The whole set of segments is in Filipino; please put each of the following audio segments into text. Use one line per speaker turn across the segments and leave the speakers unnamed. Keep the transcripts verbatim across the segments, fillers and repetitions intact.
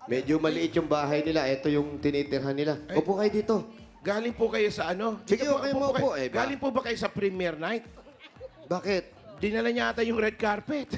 Medyo maliit yung bahay nila. Ito yung tinitirhan nila.
Ay.
Upo kayo dito.
Galing po kayo sa ano?
Sige,
Dito po,
okay
upo
mo
po kayo.
po, eh, ba?
Galing po ba kayo sa premiere night?
Bakit?
Dinala niya ata yung red carpet.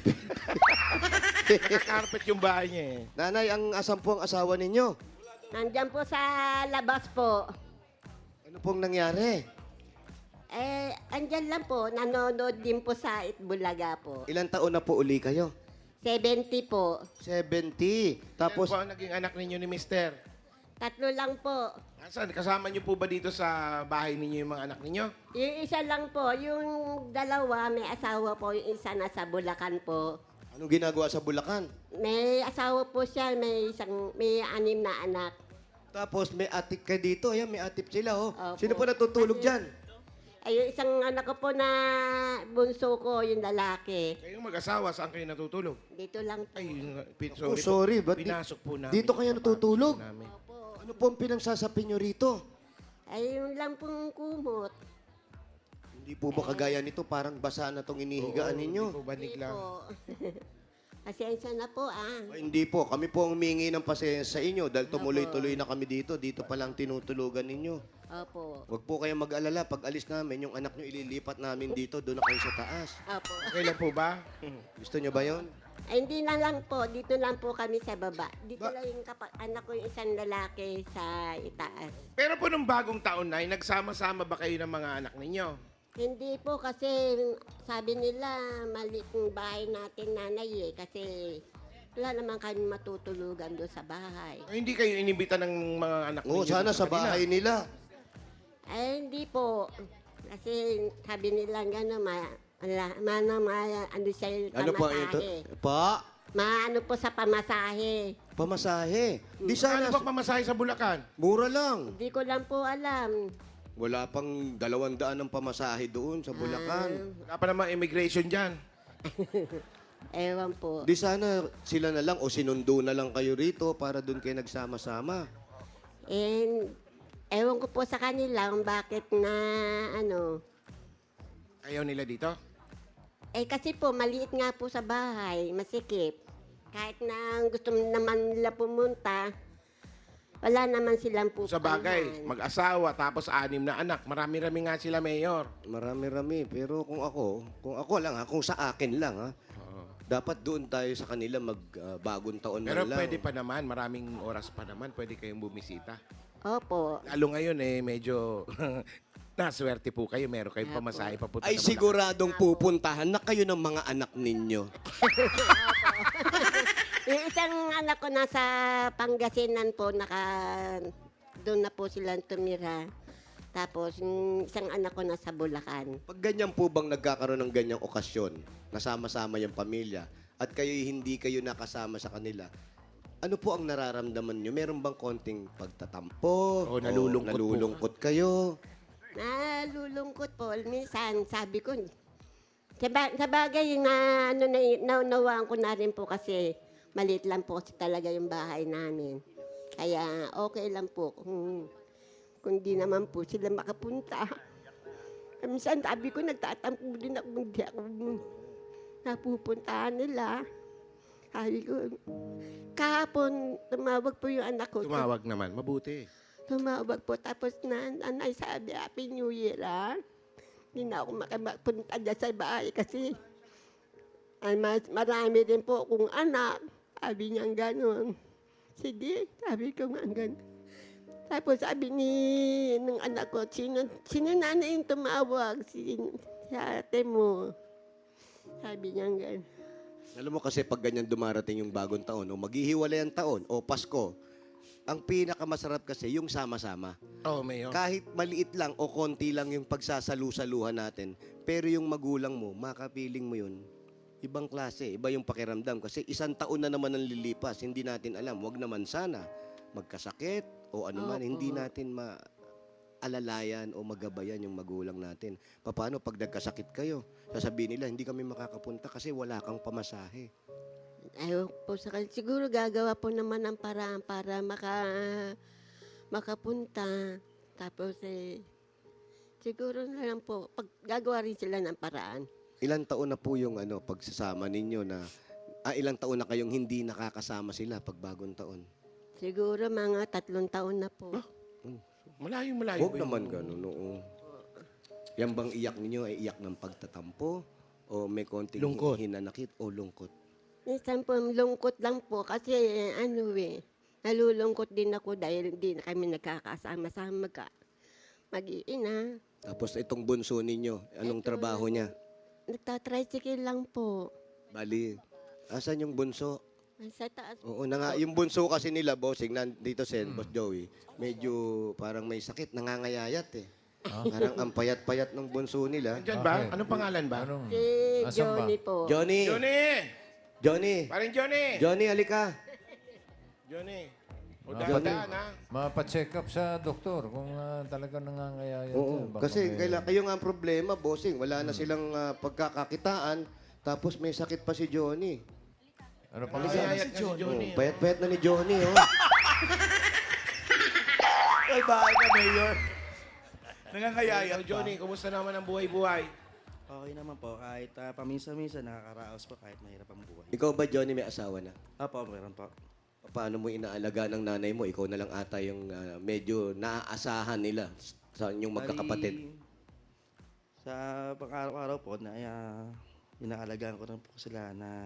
Naka-carpet yung bahay niya eh.
Nanay, ang asan po ang asawa ninyo?
Nandyan po sa labas po.
Ano pong nangyari?
Eh, andyan lang po. Nanonood din po sa Itbulaga po.
Ilang taon na po uli kayo?
seventy po.
seventy.
Tapos
Tapos,
po ang naging anak ninyo ni Mister.
Tatlo lang po.
Asan? Kasama niyo po ba dito sa bahay ninyo yung mga anak ninyo?
Yung isa lang po. Yung dalawa, may asawa po. Yung isa nasa Bulacan po.
anong ginagawa sa Bulacan?
May asawa po siya. May isang, may anim na anak.
Tapos, may atip ka dito. Ayan, may atip sila, oh.
Opo.
Sino po natutulog
Kasi-
dyan?
Ay, yung isang anak ko po na bunso ko, yung lalaki.
Kayong mag-asawa, saan kayo natutulog?
Dito lang po.
Ay, yun nga, pin-
Oh,
sorry,
sorry.
po.
Ba't di-
Pinasok po namin.
dito kayo natutulog?
Pinasok namin.
Opo.
Ano po ang pinagsasabi nyo rito?
Ay, yun lang pong kumot.
Hindi po ba kagaya nito? Parang basa na tong inihigaan
Oo,
ninyo.
Hindi po banig
Hindi
lang.
po. Pasensya na po, ah.
Ay, hindi po. Kami po ang humingi ng pasensya sa inyo dahil tumuloy-tuloy na kami dito. Dito pa lang tinutulugan ninyo.
Opo.
Huwag po kayong mag-alala. Pag alis namin, yung anak nyo ililipat namin dito. Doon na kayo sa taas.
Opo.
Okay lang po ba?
Gusto nyo ba yon?
Ay, hindi na lang po. Dito lang po kami sa baba. Dito
Ba-
lang yung kapa- anak ko yung isang lalaki sa itaas.
Pero po nung bagong taon na, nagsama-sama ba kayo ng mga anak ninyo?
Hindi po kasi sabi nila maliit yung bahay natin nanay eh. Kasi wala naman kami matutulugan doon sa bahay.
Ay, hindi kayo inibita ng mga anak
Oo,
ninyo?
sana
doon
sa
kanila?
bahay nila.
Ay, hindi po. Kasi sabi nila gano'n, ma, ala, mana, ma, ano siya yung
Ano po ito?
pamasahe.
Pa?
Maano po sa pamasahe.
Pamasahe. Di
Ano
sana.
ba pamasahe sa Bulacan?
Mura lang.
Hindi ko lang po alam.
Wala pang dalawang daan ng pamasahe doon sa Bulacan.
Wala pa namang immigration dyan.
Ewan po.
Di sana sila na lang o sinundo na lang kayo rito para doon kayo nagsama-sama.
And, ewan ko po sa kanila kung bakit na, ano,
Ayaw nila dito?
eh kasi po, maliit nga po sa bahay, masikip. Kahit na gusto naman nila pumunta, wala naman silang pupuntahan.
Sa bagay, mag-asawa, tapos anim na anak. Marami-rami nga sila, Mayor.
Marami-rami. Pero kung ako, kung ako lang ha, kung sa akin lang ha, dapat doon tayo sa kanila mag-bagong taon
Pero
man lang.
pwede pa naman, maraming oras pa naman, pwede kayong bumisita.
Opo.
Lalo ngayon eh, medyo naswerte po kayo. Meron kayong pamasahe papunta
Ay
na Bulacan.
siguradong pupuntahan na kayo ng mga anak ninyo.
Yung isang anak ko nasa Pangasinan po, naka, doon na po silang tumira. Tapos, yung isang anak ko nasa Bulacan.
Pag ganyan po bang nagkakaroon ng ganyang okasyon, nasama-sama yung pamilya, at kayo hindi kayo nakasama sa kanila, ano po ang nararamdaman nyo? Meron bang konting pagtatampo?
O, nalulungkot po.
nalulungkot kayo?
Nalulungkot po. Minsan, sabi ko, sa, ba- sa bagay na ano, na, naunawaan ko na rin po kasi maliit lang po kasi talaga yung bahay namin. Kaya okay lang po kung, kung di naman po sila makapunta. Minsan sabi ko, nagtatampo din ako, hindi ako napupuntahan nila. Sabi ko, kahapon, tumawag po yung anak ko.
Tumawag naman, mabuti.
Tumawag po. Tapos na, nanay sabi, Happy New Year, ha? Hindi na ako makapunta dyan sa bahay kasi ay, mas, marami rin po akong anak. Sabi niya gano'n. Sige, sabi ko nga gano'n. Tapos sabi ni ng anak ko, sino, sino nanay yung tumawag? Si, si ate mo. Sabi niya gano'n.
Alam mo kasi pag ganyan dumarating yung bagong taon, o maghihiwalay ang taon, o Pasko, ang pinakamasarap kasi yung sama-sama.
Oh, Mayor.
Kahit maliit lang o konti lang yung pagsasalu-saluhan natin, pero yung magulang mo, makapiling mo yun, ibang klase, iba yung pakiramdam. Kasi isang taon na naman ang lilipas, hindi natin alam. Huwag naman sana magkasakit o ano man,
Opo.
hindi natin maalalayan o magabayan yung magulang natin. Paano pag nagkasakit kayo? Sasabihin nila, hindi kami makakapunta kasi wala kang pamasahe.
Ayaw po sa kanila. Siguro gagawa po naman ng paraan para maka, makapunta. Tapos eh, siguro na lang po, pag gagawa rin sila ng paraan.
Ilang taon na po yung ano, pagsasama ninyo na, ah, ilang taon na kayong hindi nakakasama sila pag bagong taon?
Siguro mga tatlong taon na po.
Malayo, malayo.
Huwag
ba yun?
naman ganun, oo. Yan bang iyak ninyo ay iyak ng pagtatampo? O may konting
Lungkot.
hinanakit o lungkot?
Minsan po, lungkot lang po kasi ano eh, nalulungkot din ako dahil hindi na kami nagkakasama-sama ka. Mag-iina.
Tapos itong bunso ninyo, anong
Ito,
trabaho niya?
Nagtatricycle lang po.
Bali, asan yung bunso?
Sa taas.
Oo na nga, yung bunso kasi nila, bossing, nandito si
Hmm.
Boss Joey, medyo parang may sakit, nangangayayat eh. Parang ang payat-payat ng bunso nila.
Andyan ba?
Okay.
Anong pangalan ba?
Anong?
Si
Asan ba?
Johnny po.
Johnny!
Johnny!
Johnny!
Paring Johnny!
Johnny, alika!
Johnny. O
Dapat-
dahan ha?
Mapacheck up sa doktor kung ah, talaga nangangayayat.
Oo,
yan. Baka
kasi
may-
kaila, kayo nga ang problema, bossing. Wala na silang ah, pagkakakitaan, tapos may sakit pa si Johnny.
Ano pa
Nangayayat na si Johnny.
Oh, payat-payat na ni Johnny, oh.
Ay, bakit ka, Mayor? Nangangayayat
Hello, Johnny. Kumusta naman ang buhay-buhay?
Okay naman po, kahit uh, paminsan-minsan nakakaraos po kahit mahirap ang buhay.
Ikaw ba, Johnny, may asawa na?
Apo, meron po.
Paano mo inaalaga ng nanay mo? Ikaw na lang ata yung ah, medyo naaasahan nila sa inyong magkakapatid.
Bali, sa pang-araw-araw po, na, uh, inaalagaan ko rin po sila na...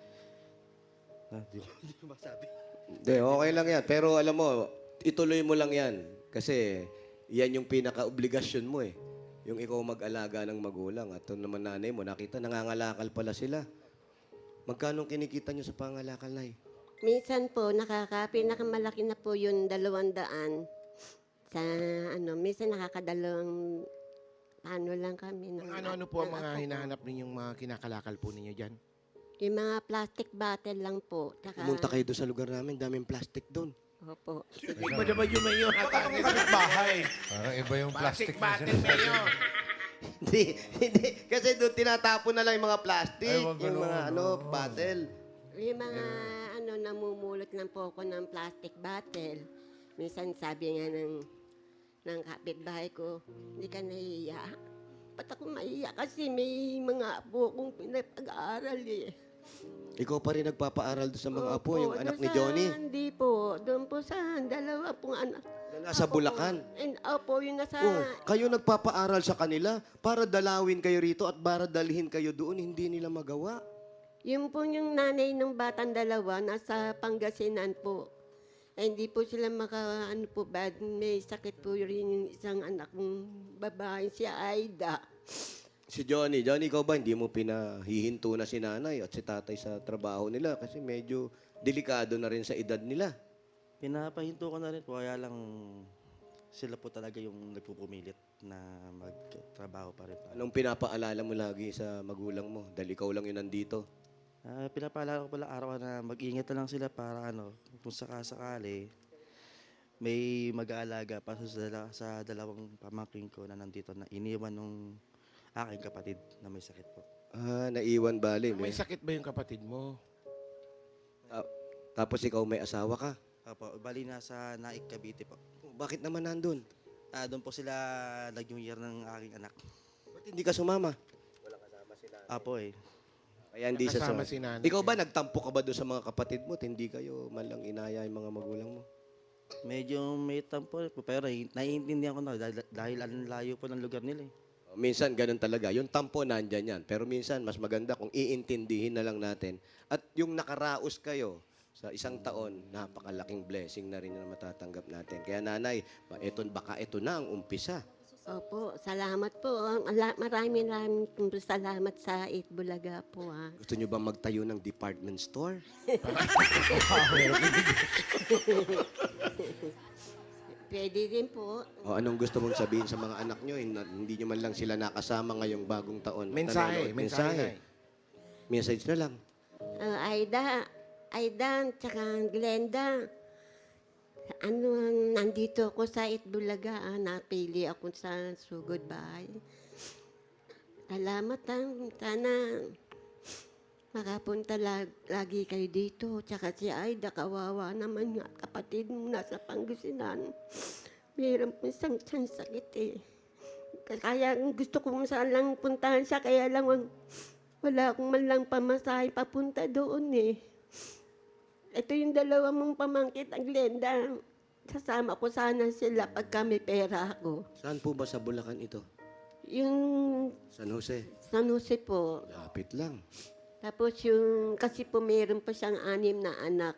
na di ko, di ko masabi.
Hindi, okay lang yan. Pero alam mo, ituloy mo lang yan. Kasi yan yung pinaka-obligasyon mo eh. Yung ikaw mag-alaga ng magulang. At ito naman nanay mo, nakita, nangangalakal pala sila. Magkano kinikita nyo sa pangalakal, Nay?
Minsan po, nakaka, pinakamalaki na po yung dalawang daan. Sa ano, minsan nakakadalawang ano lang kami. ng-
Ang ano-ano po ang
ng
mga
apo ko.
hinahanap ninyong mga kinakalakal po ninyo dyan?
Yung mga plastic bottle lang po. Tsaka,
Pumunta kayo doon sa lugar namin, daming plastic doon.
Opo.
Iba naman yung mayor. bahay.
Parang iba yung
Plastic
plastic na
bottle,
sinasabi.
mayor.
Hindi, hindi. Kasi doon tinatapon na lang yung mga plastic,
Ay, wag
yung mga
ganun,
ano,
oo.
bottle.
Yung mga ano, namumulot lang po ako ng plastic bottle. Minsan sabi nga ng, ng kapitbahay ko, hindi ka nahiya. Ba't ako maiya? Kasi may mga apo kong pinapag-aaral eh.
Ikaw pa rin nagpapaaral doon sa mga apo,
Opo,
yung anak
doon
ni
sa-
Johnny.
Hindi po. Doon po sa dalawa pong anak.
Na nasa
Apo ko.
Bulacan.
And opo, yung nasa...
Oh, kayo nagpapaaral sa kanila para dalawin kayo rito at para dalhin kayo doon, hindi nila magawa.
Yung po yung nanay ng batang dalawa, nasa Pangasinan po. Eh, hindi po sila maka, ano po, bad, may sakit po rin yung isang anak kong babae, si Aida.
Si Johnny, Johnny, ikaw ba hindi mo pinahihinto na si nanay at si tatay sa trabaho nila kasi medyo delikado na rin sa edad nila.
Pinapahinto ko na rin po, kaya lang sila po talaga yung nagpupumilit na magtrabaho pa rin.
Anong pinapaalala mo lagi sa magulang mo? Dahil ikaw lang yun nandito.
Uh, pinapaalala ko pala araw na mag-iingat na lang sila para ano, kung sakasakali, may mag-aalaga pa sa, dala, sa dalawang pamangkin ko na nandito na iniwan nung aking kapatid na may sakit po.
Ah, naiwan bali.
May
May,
sakit ba yung kapatid mo?
Ta- tapos ikaw may asawa ka.
Apo, bali nasa Naik, Cavite po.
Oh, bakit naman nandun?
Ah, doon po sila nag-new year ng aking anak.
Ba't hindi ka sumama?
Apo eh.
Kaya hindi siya
Nakasama
sa...
si nanay.
Ikaw ba, nagtampo ka ba doon sa mga kapatid mo at hindi kayo man lang inaya yung mga magulang mo?
Medyo may tampo eh, po, pero eh, naiintindihan ko na dahil, dahil ang layo po ng lugar nila eh.
Oh, minsan ganun talaga. Yung tampo nandyan yan. Pero minsan mas maganda kung iintindihin na lang natin. At yung nakaraos kayo sa isang taon, napakalaking blessing na rin na matatanggap natin. Kaya nanay, ba- eto, baka ito na ang umpisa.
Opo, salamat po. Ala- Maraming maraming salamat sa Eat Bulaga po ha.
Gusto nyo ba magtayo ng department store?
Pwede din po.
O anong gusto mong sabihin sa mga anak nyo? Hin- Hindi nyo man lang sila nakasama ngayong bagong taon.
Mensahe,
Nanonood.
mensahe.
Message na lang.
Uh, Aida, Aida, tsaka Glenda. Ano, nandito ako sa Itbulaga, ah, napili ako sa sugod bahay. Salamat ah. Sana makapunta lag, lagi kayo dito. Tsaka si Aida, kawawa naman nga, kapatid mo nasa Pangasinan. Mayroon po isang isang sakit eh. Kaya gusto ko saan lang puntahan siya, kaya lang wag- wala akong man lang pamasahe papunta doon eh. ito yung dalawa mong pamangkit, ang Glenda. Sasama ko sana sila pagka may pera ako.
Saan po ba sa Bulacan ito?
Yung
San Jose.
San Jose po.
Lapit lang.
Tapos yung, kasi po meron pa siyang anim na anak.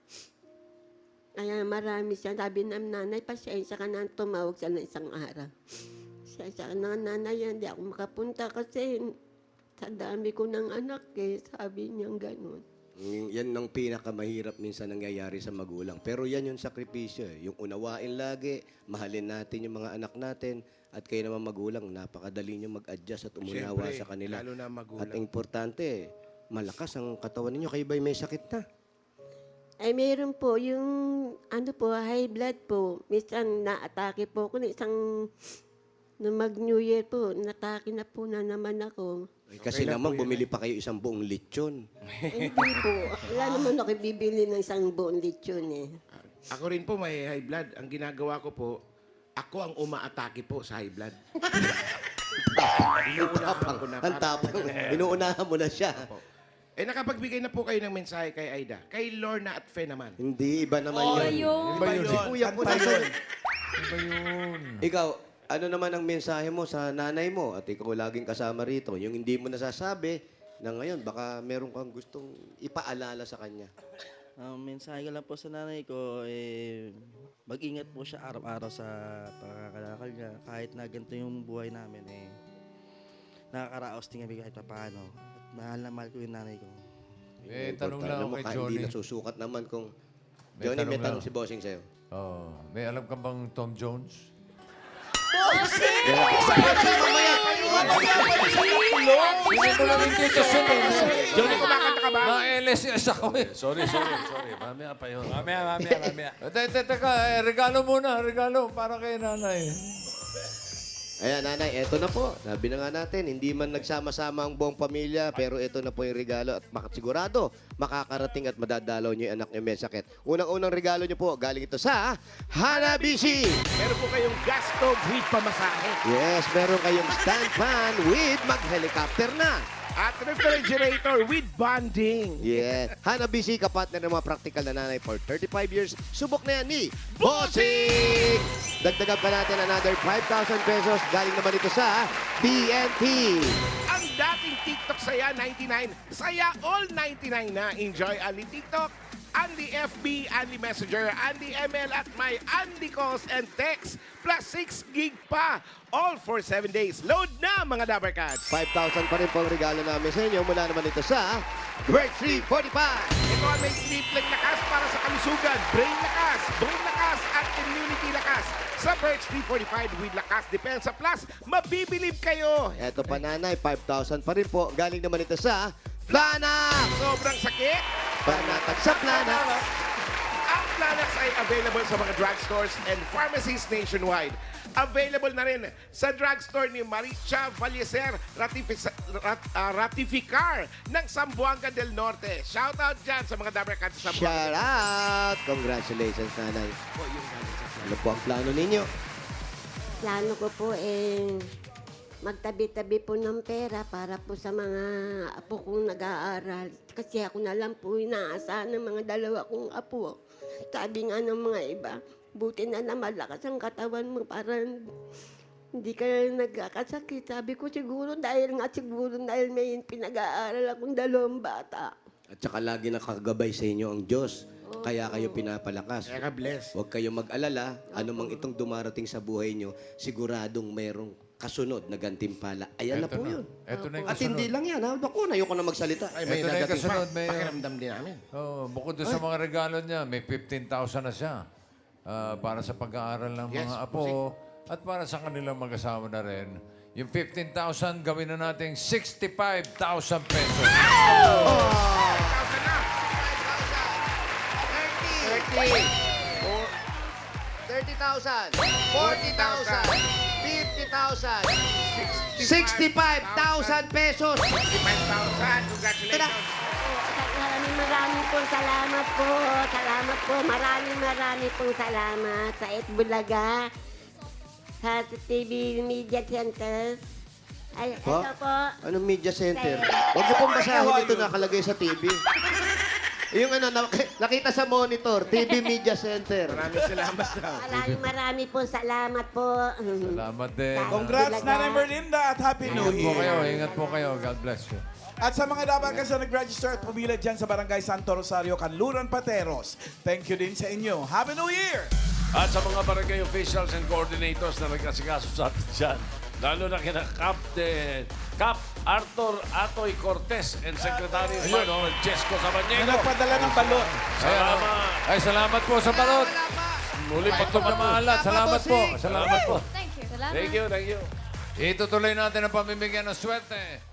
Kaya marami siya. Sabi ng nanay, pasensya ka na tumawag siya ng isang araw. Pasensya ka na nanay, hindi ako makapunta kasi sa dami ko ng anak eh. Sabi niya gano'n.
Mm, Yan ang pinakamahirap minsan nangyayari sa magulang. Pero yan yung sakripisyo eh. Yung unawain lagi, mahalin natin yung mga anak natin, at kayo naman magulang, napakadali nyo mag-adjust at umunawa
Siyempre,
sa kanila.
lalo na magulang.
At ang importante, malakas ang katawan ninyo. Kayo ba'y may sakit na?
Ay meron po yung ano po, high blood po. Minsan na-atake po ako ng isang nung mag-New Year po, natake na po na naman ako.
Ay, kasi
Okay lang
naman,
po yun,
bumili pa kayo isang buong lechon.
Hindi po. Wala naman ako bibili ng isang buong lechon eh.
Ako rin po may high blood. Ang ginagawa ko po, ako ang umaatake po sa high blood. Inuunahan ko na.
Ang
para-
tapang. Inuunahan mo na siya.
Eh, nakapagbigay na po kayo ng mensahe kay Aida. Kay Lorna at Fe naman.
Hindi, iba naman
Oh,
yun.
yun.
Iba yun.
Si Kuya po
Kanta
naman.
yun.
Ano ba yun?
Ikaw, ano naman ang mensahe mo sa nanay mo at ikaw laging kasama rito? Yung hindi mo nasasabi na ngayon, baka meron kang gustong ipaalala sa kanya.
Ang mensahe ko lang po sa nanay ko, eh, mag-ingat po siya araw-araw sa pagkakalakal niya. Kahit na ganito yung buhay namin, eh, nakakaraos din kami kahit pa paano. At mahal na mahal ko yung nanay ko.
May
Importante.
tanong lang
Alam
ako
mo,
kay
kahit
Johnny.
Hindi nasusukat naman kung...
May
Johnny, may
tanong
tanong
lang.
si Bossing sa'yo.
Oh, may alam ka bang Tom Jones? Hindi ko lang yung dito
Johnny, kumakanta ka ba?
Na-L S S ako eh. Sorry, sorry, sorry. Mamaya pa yun.
Mamaya, mamaya, mamaya.
Teka, teka, eh, regalo muna, regalo para kay nanay.
Ayan, nanay, eto na po. Sabi na nga natin, hindi man nagsama-sama ang buong pamilya, pero ito na po yung regalo at makasigurado, makakarating at madadalaw nyo yung anak nyo may sakit. Unang-unang regalo nyo po, galing ito sa Hanabishi.
Meron po kayong gas stove with pamasahe.
Yes, meron kayong stand fan with mag-helicopter na.
At refrigerator with bonding.
Yes. Hanabishi, kapatner ng mga practical na nanay for thirty-five years. Subok na yan ni Bossing! Dagdagan pa natin another five thousand pesos. Galing naman ito sa T N T.
Ang dating TikTok Saya ninety-nine, Saya all ninety-nine na. Enjoy Andy TikTok, Andy F B, Andy Messenger, Andy M L at my Andy Calls and Text plus six gig pa. All for seven days. Load na mga Dabarcats.
five thousand pa rin po ang regalo namin sa inyo. Mula naman ito sa Bird three forty-five.
Ito ay may tripling lakas para sa kalusugan, brain lakas, bone lakas at immunity lakas. Sa Birch three forty-five with Lakas Depensa Plus, mabibilib kayo.
Eto pa nanay, five thousand pa rin po. Galing naman ito sa Planax.
Sobrang sakit.
Panatag sa Planax.
Ang Planax ay available sa mga drugstores and pharmacies nationwide. Available na rin sa drugstore ni Maricha Valleser Ratific- Rat- ah, Ratificar ng Zamboanga del Norte. Shout out dyan sa mga Dabarcats sa Zamboanga.
Shout out! Congratulations, nanay.
Po, yung galing sa
Ano po ang plano ninyo?
Plano ko po eh, magtabi-tabi po ng pera para po sa mga apo kong nag-aaral. Kasi ako na lang po inaasahan ng mga dalawa kong apo. Sabi nga ng mga iba, buti na lang malakas ang katawan mo para hindi ka nagkakasakit. Sabi ko siguro dahil nga siguro dahil may pinag-aaral akong dalawang bata.
At saka lagi nakagabay sa inyo ang Diyos. Kaya kayo pinapalakas.
Kaya ka bless.
Huwag kayong mag-alala. Anumang itong dumarating sa buhay nyo, siguradong merong kasunod na gantimpala. Ayan na
Eto
po yun.
Eto na yung
At
kasunod.
hindi lang yan. Ha? Naku, ayoko na magsalita.
Ay, may
Ito na yung
dadating pa.
kasunod, may-
Pakiramdam din namin.
Oh, bukod doon sa mga regalo niya, may fifteen thousand na siya. Ah, para sa pag-aaral ng
Yes,
mga apo at para sa kanilang mag-asawa na rin. Yung fifteen thousand, gawin na natin sixty-five thousand pesos.
Thousand na.
thirty. thirty thousand. forty thousand. fifty thousand. sixty-five thousand pesos.
sixty-five thousand. Congratulations.
Maraming maraming pong salamat po. Salamat po. Maraming maraming pong salamat sa Itbulaga, sa T V Media Center. Ay,
Po?
ito po.
Anong media center? Huwag niyo pong basahin ito nakalagay sa T V. Yung ano, nak- nakita sa monitor, T V Media Center.
Maraming salamat daw.
Maraming marami po salamat po.
Salamat din.
Congrats,
Talaga.
Nanay Merlinda, at Happy New
Ingat po kayo.
Year.
Ingat po kayo. God bless you.
At sa mga dapat kasi nag-register at pumila dyan sa Barangay Santo Rosario, Kanluran, Pateros, thank you din sa inyo. Happy New Year!
At sa mga barangay officials and coordinators na nagkasikaso sa atin dyan, lalo na kina Captain Cap Arthur Atoy Cortez and Secretary Manuel Francesco
Na
Sabanyego.
nagpadala ng balot.
Salamat.
Ay, salamat po sa balot.
Muli
Pagtog na maalat. Salamat po. Salamat po.
Thank you, thank you.
Itutuloy natin ang pamimigyan ng swerte.